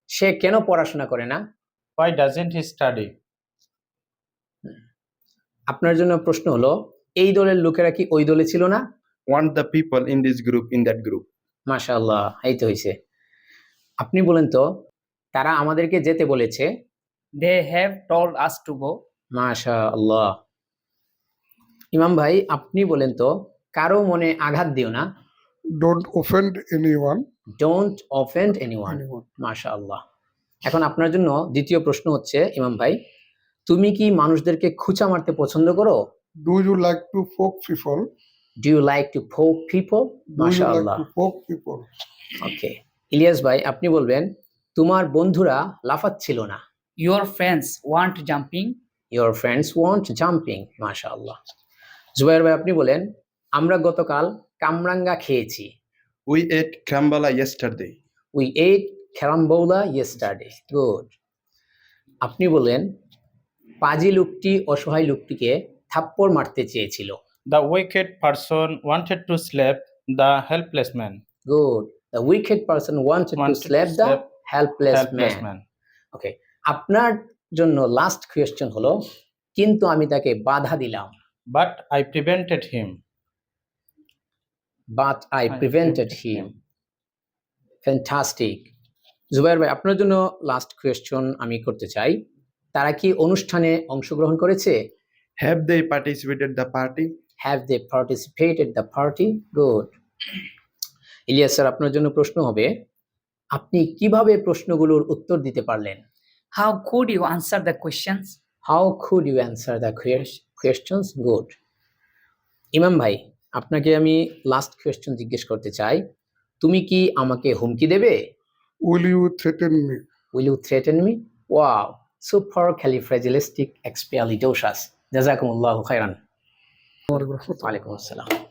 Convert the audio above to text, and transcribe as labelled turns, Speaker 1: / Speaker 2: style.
Speaker 1: সে কেন পড়াশোনা করে না?
Speaker 2: Why doesn't he study?
Speaker 1: আপনার জন্য প্রশ্ন হলো, এই দলের লোকেরা কি ওই দলে ছিল না?
Speaker 3: Want the people in this group in that group?
Speaker 1: মাশাআল্লাহ, এই তো হইছে। আপনি বলেন তো, তারা আমাদেরকে যেতে বলেছে।
Speaker 4: They have told us to go.
Speaker 1: মাশাআল্লাহ। ইমাম ভাই, আপনি বলেন তো, কারো মনে আঘাত দিও না।
Speaker 5: Don't offend anyone.
Speaker 1: Don't offend anyone. মাশাআল্লাহ। এখন আপনার জন্য দ্বিতীয় প্রশ্ন হচ্ছে, ইমাম ভাই, তুমি কি মানুষদেরকে খুঁচা মারতে পছন্দ করো?
Speaker 5: Do you like to poke people?
Speaker 1: Do you like to poke people?
Speaker 5: Do you like
Speaker 1: মাশাআল্লাহ।
Speaker 5: to poke people?
Speaker 1: Okay. Ilias ভাই, আপনি বলবেন, তোমার বন্ধুরা লাফাচ্ছিল না।
Speaker 4: Your friends want jumping.
Speaker 1: Your friends want jumping. মাশাআল্লাহ। জুবাইর ভাই, আপনি বলেন, আমরা গতকাল কামরাঙ্গা খেয়েছি।
Speaker 3: We ate krambala yesterday.
Speaker 1: We ate carambola yesterday. Good. আপনি বলেন, পাজি লোকটি অসহায় লোকটিকে থাপ্পড় মারতে চেয়েছিল।
Speaker 2: The wicked person wanted to slap the helpless man.
Speaker 1: Good. The wicked person wanted to slap the helpless
Speaker 2: Helpless
Speaker 1: man.
Speaker 2: man.
Speaker 1: Okay. আপনার জন্য লাস্ট কোয়েশ্চেন হলো, কিন্তু আমি তাকে বাধা দিলাম।
Speaker 2: But I prevented him.
Speaker 1: But I prevented him. Fantastic. Jubair ভাই, আপনার জন্য লাস্ট কোয়েশ্চন আমি করতে চাই, তারা কি অনুষ্ঠানে অংশগ্রহণ করেছে?
Speaker 3: Have they participated the party?
Speaker 1: Have they participated the party? Good. Ilias sir, আপনার জন্য প্রশ্ন হবে, আপনি কিভাবে প্রশ্নগুলোর উত্তর দিতে পারলেন?
Speaker 4: How could you answer the questions?
Speaker 1: How could you answer the questions? Good. Imam ভাই, আপনাকে আমি লাস্ট কোয়েশ্চন জিজ্ঞেস করতে চাই, তুমি কি আমাকে হুমকি দেবে?
Speaker 5: Will you threaten me?
Speaker 1: Will you threaten me? Wow, supercalifragilisticexpialidocious. জাযাকুমুল্লাহু খাইরান। ওয়ালাইকুম আসসালাম।